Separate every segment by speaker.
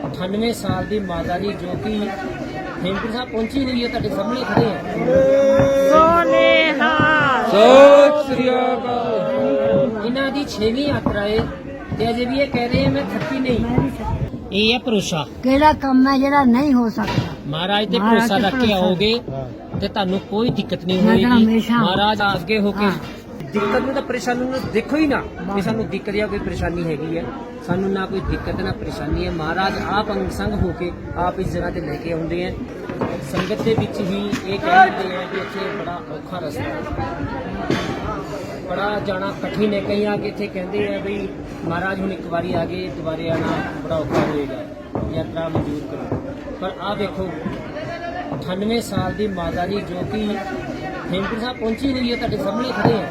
Speaker 1: 98 ਸਾਲ ਦੀ ਮਾਤਾ ਜੀ ਜੋ ਕਿ ਹੇਮਕੁੰਟ ਸਾਹਿਬ ਪਹੁੰਚੀ ਹੋਈ ਹੈ, ਤੁਹਾਡੇ ਸਾਹਮਣੇ ਖੜੇ ਹੈ।
Speaker 2: ਸਤਿ ਸ੍ਰੀ ਅਕਾਲ।
Speaker 1: ਇਹਨਾਂ ਦੀ 6ਵੀਂ ਯਾਤਰਾ ਹੈ ਤੇ ਅਜੇ ਵੀ ਇਹ ਕਹਿ ਰਹੇ ਮੈਂ ਥੱਕੀ ਨਹੀਂ। ਇਹ ਹੈ ਭਰੋਸਾ।
Speaker 3: ਕਿਹੜਾ ਕੰਮ ਹੈ ਜਿਹੜਾ ਨਹੀਂ ਹੋ ਸਕਦਾ।
Speaker 1: ਮਹਾਰਾਜ ਤੇ ਭਰੋਸਾ ਰੱਖ ਕੇ ਆਓਗੇ ਤੇ ਤੁਹਾਨੂੰ ਕੋਈ ਦਿੱਕਤ ਨਹੀਂ
Speaker 3: ਮੈਂ ਤਾਂ
Speaker 1: ਹੋਏਗੀ।
Speaker 3: ਹਮੇਸ਼ਾ-
Speaker 1: ਮਹਾਰਾਜ ਅੱਗੇ ਹੋ ਕੇ
Speaker 3: ਹਾਂ।
Speaker 1: ਦਿੱਕਤ ਨੂੰ ਤਾਂ ਪਰੇਸ਼ਾਨੀ ਨੂੰ ਦੇਖੋ ਹੀ ਨਾ ਵੀ ਸਾਨੂੰ ਦਿੱਕਤ ਜਾਂ ਕੋਈ ਪਰੇਸ਼ਾਨੀ ਹੈਗੀ ਹੈ। ਸਾਨੂੰ ਨਾ ਕੋਈ ਦਿੱਕਤ ਨਾ ਪਰੇਸ਼ਾਨੀ ਹੈ। ਮਹਾਰਾਜ ਆਪ ਅੰਗ ਸੰਗ ਹੋ ਕੇ ਆਪ ਇਸ ਜਗ੍ਹਾ ਤੇ ਲੈ ਕੇ ਆਉਂਦੇ ਹੈ। ਸੰਗਤ ਦੇ ਵਿੱਚ ਹੀ ਇਹ ਕਹਿੰਦੇ ਹੈ ਕਿ ਇੱਥੇ ਬੜਾ ਔਖਾ ਰਸਤਾ ਹੈ, ਬੜਾ ਜਾਣਾ ਕਠਿਨ ਹੈ। ਕਈ ਆ ਕੇ ਇੱਥੇ ਕਹਿੰਦੇ ਆ ਵੀ ਮਹਾਰਾਜ ਹੁਣ ਇੱਕ ਵਾਰੀ ਆ ਗਏ, ਦੁਬਾਰੇ ਆਣਾ ਬੜਾ ਔਖਾ ਹੋਏਗਾ, ਯਾਤਰਾ ਮਨਜ਼ੂਰ ਕਰੋ। ਪਰ ਆ ਦੇਖੋ 98 ਸਾਲ ਦੀ ਮਾਤਾ ਜੀ ਜੋ ਕਿ ਹੇਮਕੁੰਟ ਸਾਹਿਬ ਪਹੁੰਚੀ ਹੋਈ ਹੈ, ਤੁਹਾਡੇ ਸਾਹਮਣੇ ਖੜੇ ਹੈ।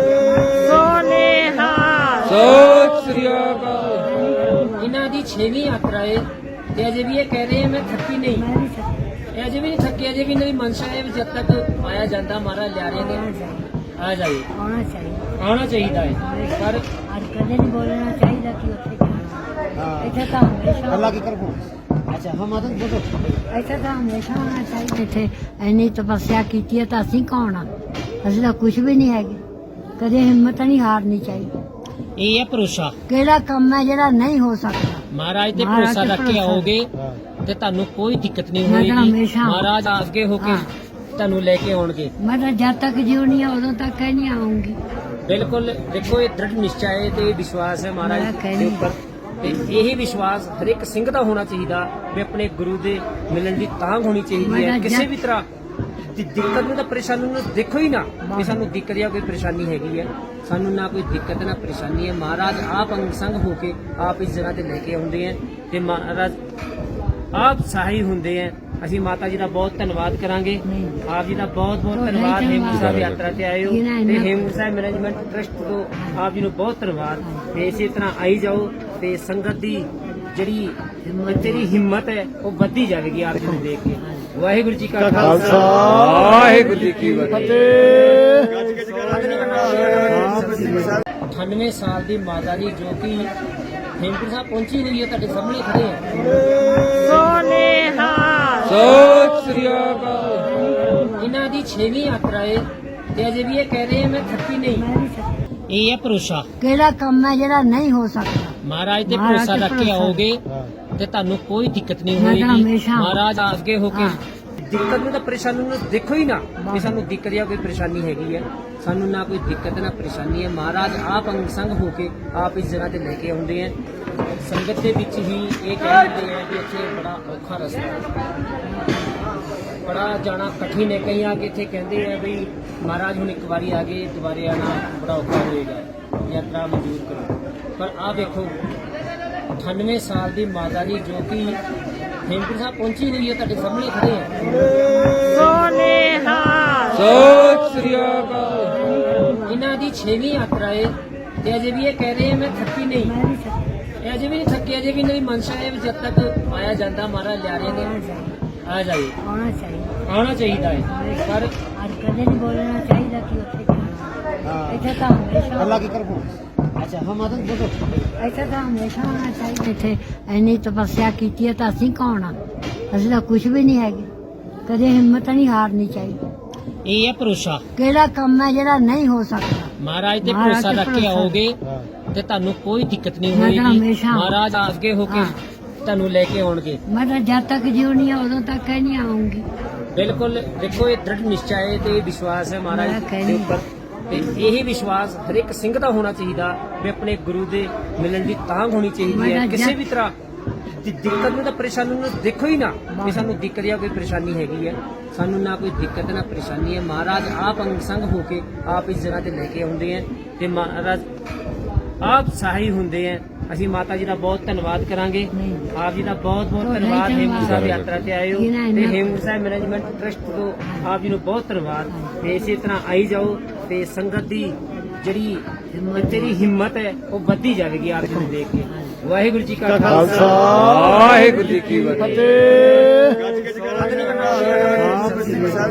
Speaker 2: ਸਤਿ ਸ੍ਰੀ ਅਕਾਲ।
Speaker 1: ਇਹਨਾਂ ਦੀ 6ਵੀਂ ਯਾਤਰਾ ਹੈ ਤੇ ਅਜੇ ਵੀ ਇਹ ਕਹਿ ਰਹੇ ਮੈਂ ਥੱਕੀ ਨਹੀਂ।
Speaker 3: ਮੈਂ ਵੀ ਸੱਚ-
Speaker 1: ਇਹ ਅਜੇ ਵੀ ਨਹੀਂ ਥੱਕੇ, ਅਜੇ ਵੀ ਇਹਨਾਂ ਦੀ ਮਨਸ਼ਾ ਹੈ ਵੀ ਜਦ ਤੱਕ ਆਇਆ ਜਾਂਦਾ ਮਹਾਰਾਜ ਲਿਆ ਰਹੇ ਨੇ ਆ ਜਾਈਏ,
Speaker 3: ਆਉਣਾ ਚਾਹੀਦਾ।
Speaker 1: ਆਉਣਾ ਚਾਹੀਦਾ ਹੈ। ਪਰ
Speaker 3: ਅੱਜ ਕਦੇ ਨਹੀਂ ਬੋਲਣਾ ਚਾਹੀਦਾ ਕਿ ਉੱਥੇ ਜਾਣਾ। ਇੱਥੇ ਤਾਂ ਹਮੇਸ਼ਾ
Speaker 2: ਅੱਲਾ ਕੀ ਕਰੋ। ਅੱਛਾ ਹਮ ਆਦਤ ਬੋਲੋ।
Speaker 3: ਇੱਥੇ ਤਾਂ ਹਮੇਸ਼ਾ ਹੋਣਾ ਚਾਹੀਦਾ। ਇੱਥੇ ਇੰਨੀ ਤਪੱਸਿਆ ਕੀਤੀ ਹੈ ਤਾਂ ਅਸੀਂ ਕੌਣ ਆ? ਅਸੀਂ ਤਾਂ ਕੁਝ ਵੀ ਨਹੀਂ ਹੈਗੇ। ਕਦੇ ਹਿੰਮਤ ਨਹੀਂ ਹਾਰਨੀ ਚਾਹੀਦੀ।
Speaker 1: ਇਹ ਹੈ ਭਰੋਸਾ।
Speaker 3: ਕਿਹੜਾ ਕੰਮ ਹੈ ਜਿਹੜਾ ਨਹੀਂ ਹੋ ਸਕਦਾ।
Speaker 1: ਮਹਾਰਾਜ ਤੇ
Speaker 3: ਮਹਾਰਾਜ
Speaker 1: ਭਰੋਸਾ
Speaker 3: ਤੇ
Speaker 1: ਰੱਖ ਕੇ
Speaker 3: ਭਰੋਸਾ।
Speaker 1: ਆਓਗੇ ਤੇ ਤੁਹਾਨੂੰ ਕੋਈ ਦਿੱਕਤ ਨਹੀਂ
Speaker 3: ਮੈਂ ਤਾਂ
Speaker 1: ਹੋਏਗੀ।
Speaker 3: ਹਮੇਸ਼ਾ-
Speaker 1: ਮਹਾਰਾਜ ਅੱਗੇ ਹੋ ਕੇ
Speaker 3: ਹਾਂ।
Speaker 1: ਤੁਹਾਨੂੰ ਲੈ ਕੇ ਆਉਣਗੇ।
Speaker 3: ਮੈਂ ਤਾਂ ਜਦ ਤੱਕ ਜਿਉਣੀ ਆ ਉਦੋਂ ਤੱਕ ਹੀ ਨਹੀਂ ਆਉਂਗੀ।
Speaker 1: ਬਿਲਕੁਲ ਦੇਖੋ, ਇਹ ਦ੍ਰਿੜ ਨਿਸ਼ਚਾ ਹੈ ਤੇ ਵਿਸ਼ਵਾਸ ਹੈ ਮਹਾਰਾਜ
Speaker 3: ਮੈਂ
Speaker 1: ਦੇ
Speaker 3: ਕਹਿੰਦੀ-
Speaker 1: ਉੱਪਰ। ਤੇ ਇਹੀ ਵਿਸ਼ਵਾਸ ਹਰ ਇੱਕ ਸਿੰਘ ਦਾ ਹੋਣਾ ਚਾਹੀਦਾ ਵੀ ਆਪਣੇ ਗੁਰੂ ਦੇ ਮਿਲਣ ਦੀ ਤਾਂਘ ਹੋਣੀ ਚਾਹੀਦੀ ਹੈ।
Speaker 3: ਮੇਰਾ
Speaker 1: ਕਿਸੇ
Speaker 3: ਜਨ-
Speaker 1: ਵੀ ਤਰ੍ਹਾਂ ਦੀ ਦਿੱਕਤ ਨੂੰ ਤਾਂ ਪਰੇਸ਼ਾਨੀ ਨੂੰ ਦੇਖੋ ਹੀ ਨਾ ਵੀ ਸਾਨੂੰ ਦਿੱਕਤ ਜਾਂ ਕੋਈ ਪਰੇਸ਼ਾਨੀ ਹੈਗੀ ਹੈ। ਸਾਨੂੰ ਨਾ ਕੋਈ ਦਿੱਕਤ ਨਾ ਪਰੇਸ਼ਾਨੀ ਹੈ। ਮਹਾਰਾਜ ਆਪ ਅੰਗ ਸੰਗ ਹੋ ਕੇ ਆਪ ਇਸ ਜਗ੍ਹਾ ਤੇ ਲੈ ਕੇ ਆਉਂਦੇ ਹੈ ਤੇ ਮਹਾਰਾਜ ਆਪ ਸਹਾਈ ਹੁੰਦੇ ਹੈ। ਅਸੀਂ ਮਾਤਾ ਜੀ ਦਾ ਬਹੁਤ ਧੰਨਵਾਦ ਕਰਾਂਗੇ।
Speaker 3: ਨਹੀਂ।
Speaker 1: ਆਪ ਜੀ ਦਾ ਬਹੁਤ ਬਹੁਤ
Speaker 3: ਬਹੁਤ
Speaker 1: ਧੰਨਵਾਦ।
Speaker 3: ਧੰਨਵਾਦ।
Speaker 1: ਹੇਮਕੁੰਟ ਸਾਹਿਬ ਯਾਤਰਾ ਤੇ ਆਏ ਹੋ
Speaker 3: ਜਿਹਨਾਂ
Speaker 1: ਤੇ
Speaker 3: ਇੰਨਾ-
Speaker 1: ਹੇਮਕੁੰਟ ਸਾਹਿਬ ਮੈਨੇਜਮੈਂਟ ਟਰਸਟ ਤੋਂ ਆਪ ਜੀ ਨੂੰ ਬਹੁਤ ਧੰਨਵਾਦ। ਤੇ ਇਸੇ ਤਰ੍ਹਾਂ ਆਈ ਜਾਓ ਤੇ ਸੰਗਤ ਦੀ ਜਿਹੜੀ ਤੇਰੀ ਹਿੰਮਤ ਹੈ ਉਹ ਵੱਧਦੀ ਜਾਵੇਗੀ ਆਪ ਜੀ ਨੂੰ ਦੇਖ ਕੇ। ਵਾਹਿਗੁਰੂ ਜੀ ਕਾ
Speaker 2: ਖਾਲਸਾ ਵਾਹਿਗੁਰੂ ਜੀ ਕੀ ਫਤਿਹ।
Speaker 1: 98 ਸਾਲ ਦੀ ਮਾਤਾ ਜੀ ਜੋ ਕਿ ਹੇਮਕੁੰਟ ਸਾਹਿਬ ਪਹੁੰਚੀ ਹੋਈ ਹੈ, ਤੁਹਾਡੇ ਸਾਹਮਣੇ ਖੜੇ ਹੈ।
Speaker 2: ਸਤਿ ਸ੍ਰੀ ਅਕਾਲ।
Speaker 1: ਇਹਨਾਂ ਦੀ 6ਵੀਂ ਯਾਤਰਾ ਹੈ ਤੇ ਅਜੇ ਵੀ ਇਹ ਕਹਿ ਰਹੇ ਮੈਂ ਥੱਕੀ ਨਹੀਂ।
Speaker 3: ਮੈਂ ਵੀ ਸੱਚ-
Speaker 1: ਇਹ ਹੈ ਭਰੋਸਾ।
Speaker 3: ਕਿਹੜਾ ਕੰਮ ਹੈ ਜਿਹੜਾ ਨਹੀਂ ਹੋ ਸਕਦਾ।
Speaker 1: ਮਹਾਰਾਜ ਤੇ
Speaker 3: ਮਹਾਰਾਜ
Speaker 1: ਭਰੋਸਾ
Speaker 3: ਤੇ
Speaker 1: ਰੱਖ ਕੇ
Speaker 3: ਭਰੋਸਾ।
Speaker 1: ਆਓਗੇ ਤੇ ਤੁਹਾਨੂੰ ਕੋਈ ਦਿੱਕਤ ਨਹੀਂ
Speaker 3: ਮੈਂ ਤਾਂ
Speaker 1: ਹੋਏਗੀ।
Speaker 3: ਹਮੇਸ਼ਾ-
Speaker 1: ਮਹਾਰਾਜ ਅੱਗੇ ਹੋ ਕੇ
Speaker 3: ਹਾਂ।
Speaker 1: ਦਿੱਕਤ ਨੂੰ ਤਾਂ ਪਰੇਸ਼ਾਨੀ ਨੂੰ ਦੇਖੋ ਹੀ ਨਾ ਵੀ ਸਾਨੂੰ ਦਿੱਕਤ ਜਾਂ ਕੋਈ ਪਰੇਸ਼ਾਨੀ ਹੈਗੀ ਹੈ। ਸਾਨੂੰ ਨਾ ਕੋਈ ਦਿੱਕਤ ਨਾ ਪਰੇਸ਼ਾਨੀ ਹੈ। ਮਹਾਰਾਜ ਆਪ ਅੰਗ ਸੰਗ ਹੋ ਕੇ ਆਪ ਇਸ ਜਗ੍ਹਾ ਤੇ ਲੈ ਕੇ ਆਉਂਦੇ ਹੈ। ਸੰਗਤ ਦੇ ਵਿੱਚ ਹੀ ਇਹ ਕਹਿੰਦੇ ਹੈ ਕਿ ਇੱਥੇ ਬੜਾ ਔਖਾ ਰਸਤਾ ਹੈ, ਬੜਾ ਜਾਣਾ ਕਠਿਨ ਹੈ। ਕਈ ਆ ਕੇ ਇੱਥੇ ਕਹਿੰਦੇ ਆ ਵੀ ਮਹਾਰਾਜ ਹੁਣ ਇੱਕ ਵਾਰੀ ਆ ਗਏ, ਦੁਬਾਰੇ ਆਣਾ ਬੜਾ ਔਖਾ ਹੋਏਗਾ, ਯਾਤਰਾ ਮਨਜ਼ੂਰ ਕਰੋ। ਪਰ ਆ ਦੇਖੋ 98 ਸਾਲ ਦੀ ਮਾਤਾ ਜੀ ਜੋ ਕਿ ਹੇਮਕੁੰਟ ਸਾਹਿਬ ਪਹੁੰਚੀ ਹੋਈ ਹੈ, ਤੁਹਾਡੇ ਸਾਹਮਣੇ ਖੜੇ ਹੈ।
Speaker 2: ਸਤਿ ਸ੍ਰੀ ਅਕਾਲ।
Speaker 1: ਇਹਨਾਂ ਦੀ 6ਵੀਂ ਯਾਤਰਾ ਹੈ ਤੇ ਅਜੇ ਵੀ ਇਹ ਕਹਿ ਰਹੇ ਮੈਂ ਥੱਕੀ ਨਹੀਂ।
Speaker 3: ਮੈਂ ਵੀ ਸੱਚ-
Speaker 1: ਇਹ ਅਜੇ ਵੀ ਨਹੀਂ ਥੱਕੇ, ਅਜੇ ਵੀ ਇਹਨਾਂ ਦੀ ਮਨਸ਼ਾ ਹੈ ਵੀ ਜਦ ਤੱਕ ਆਇਆ ਜਾਂਦਾ ਮਹਾਰਾਜ ਲਿਆ ਰਹੇ ਨੇ ਆ ਜਾਈਏ,
Speaker 3: ਆਉਣਾ ਚਾਹੀਦਾ।
Speaker 1: ਆਉਣਾ ਚਾਹੀਦਾ ਹੈ। ਪਰ
Speaker 3: ਅੱਜ ਕਦੇ ਨਹੀਂ ਬੋਲਣਾ ਚਾਹੀਦਾ ਕਿ ਉੱਥੇ ਜਾਣਾ। ਇੱਥੇ ਤਾਂ ਹਮੇਸ਼ਾ
Speaker 2: ਅੱਲਾ ਕੀ ਕਰੋ। ਅੱਛਾ ਹਮ ਆਦਤ ਬੋਲੋ।
Speaker 3: ਇੱਥੇ ਤਾਂ ਹਮੇਸ਼ਾ ਹੋਣਾ ਚਾਹੀਦਾ। ਇੱਥੇ ਇੰਨੀ ਤਪੱਸਿਆ ਕੀਤੀ ਹੈ ਤਾਂ ਅਸੀਂ ਕੌਣ ਆ? ਅਸੀਂ ਤਾਂ ਕੁਝ ਵੀ ਨਹੀਂ ਹੈਗੇ। ਕਦੇ ਹਿੰਮਤ ਨਹੀਂ ਹਾਰਨੀ ਚਾਹੀਦੀ।
Speaker 1: ਇਹ ਹੈ ਭਰੋਸਾ।
Speaker 3: ਕਿਹੜਾ ਕੰਮ ਹੈ ਜਿਹੜਾ ਨਹੀਂ ਹੋ ਸਕਦਾ।
Speaker 1: ਮਹਾਰਾਜ ਤੇ
Speaker 3: ਮਹਾਰਾਜ
Speaker 1: ਭਰੋਸਾ
Speaker 3: ਤੇ
Speaker 1: ਰੱਖ ਕੇ
Speaker 3: ਭਰੋਸਾ।
Speaker 1: ਆਓਗੇ ਤੇ ਤੁਹਾਨੂੰ ਕੋਈ ਦਿੱਕਤ ਨਹੀਂ
Speaker 3: ਮੈਂ ਤਾਂ
Speaker 1: ਹੋਏਗੀ।
Speaker 3: ਹਮੇਸ਼ਾ-
Speaker 1: ਮਹਾਰਾਜ ਅੱਗੇ ਹੋ ਕੇ
Speaker 3: ਹਾਂ।
Speaker 1: ਤੁਹਾਨੂੰ ਲੈ ਕੇ ਆਉਣਗੇ।
Speaker 3: ਮੈਂ ਤਾਂ ਜਦ ਤੱਕ ਜਿਉਣੀ ਆ ਉਦੋਂ ਤੱਕ ਹੀ ਨਹੀਂ ਆਉਂਗੀ।
Speaker 1: ਬਿਲਕੁਲ ਦੇਖੋ, ਇਹ ਦ੍ਰਿੜ ਨਿਸ਼ਚਾ ਹੈ ਤੇ ਵਿਸ਼ਵਾਸ ਹੈ ਮਹਾਰਾਜ
Speaker 3: ਮੈਂ
Speaker 1: ਦੇ
Speaker 3: ਕਹਿੰਦੀ-
Speaker 1: ਉੱਪਰ। ਤੇ ਇਹੀ ਵਿਸ਼ਵਾਸ ਹਰ ਇੱਕ ਸਿੰਘ ਦਾ ਹੋਣਾ ਚਾਹੀਦਾ ਵੀ ਆਪਣੇ ਗੁਰੂ ਦੇ ਮਿਲਣ ਦੀ ਤਾਂਘ ਹੋਣੀ ਚਾਹੀਦੀ ਹੈ।
Speaker 3: ਮੇਰਾ
Speaker 1: ਕਿਸੇ
Speaker 3: ਜਨ-
Speaker 1: ਵੀ ਤਰ੍ਹਾਂ ਦੀ ਦਿੱਕਤ ਨੂੰ ਤਾਂ ਪਰੇਸ਼ਾਨੀ ਨੂੰ ਦੇਖੋ ਹੀ ਨਾ ਵੀ ਸਾਨੂੰ ਦਿੱਕਤ ਜਾਂ ਕੋਈ ਪਰੇਸ਼ਾਨੀ ਹੈਗੀ ਹੈ। ਸਾਨੂੰ ਨਾ ਕੋਈ ਦਿੱਕਤ ਨਾ ਪਰੇਸ਼ਾਨੀ ਹੈ। ਮਹਾਰਾਜ ਆਪ ਅੰਗ ਸੰਗ ਹੋ ਕੇ ਆਪ ਇਸ ਜਗ੍ਹਾ ਤੇ ਲੈ ਕੇ ਆਉਂਦੇ ਹੈ ਤੇ ਮਹਾਰਾਜ ਆਪ ਸਹਾਈ ਹੁੰਦੇ ਹੈ। ਅਸੀਂ ਮਾਤਾ ਜੀ ਦਾ ਬਹੁਤ ਧੰਨਵਾਦ ਕਰਾਂਗੇ।
Speaker 3: ਨਹੀਂ।
Speaker 1: ਆਪ ਜੀ ਦਾ ਬਹੁਤ ਬਹੁਤ
Speaker 3: ਬਹੁਤ
Speaker 1: ਧੰਨਵਾਦ।
Speaker 3: ਧੰਨਵਾਦ।
Speaker 1: ਹੇਮਕੁੰਟ ਸਾਹਿਬ ਯਾਤਰਾ ਤੇ ਆਏ ਹੋ
Speaker 3: ਜਿਹਨਾਂ
Speaker 1: ਤੇ
Speaker 3: ਇੰਨਾ-
Speaker 1: ਹੇਮਕੁੰਟ ਸਾਹਿਬ ਮੈਨੇਜਮੈਂਟ ਟਰਸਟ ਤੋਂ ਆਪ ਜੀ ਨੂੰ ਬਹੁਤ ਧੰਨਵਾਦ। ਤੇ ਇਸੇ ਤਰ੍ਹਾਂ ਆਈ ਜਾਓ ਤੇ ਸੰਗਤ ਦੀ ਜਿਹੜੀ ਤੇਰੀ ਹਿੰਮਤ ਹੈ ਉਹ ਵੱਧਦੀ ਜਾਵੇਗੀ ਆਪ ਜੀ ਨੂੰ ਦੇਖ ਕੇ। ਵਾਹਿਗੁਰੂ ਜੀ ਕਾ
Speaker 2: ਖਾਲਸਾ ਵਾਹਿਗੁਰੂ ਜੀ ਕੀ ਫਤਿਹ।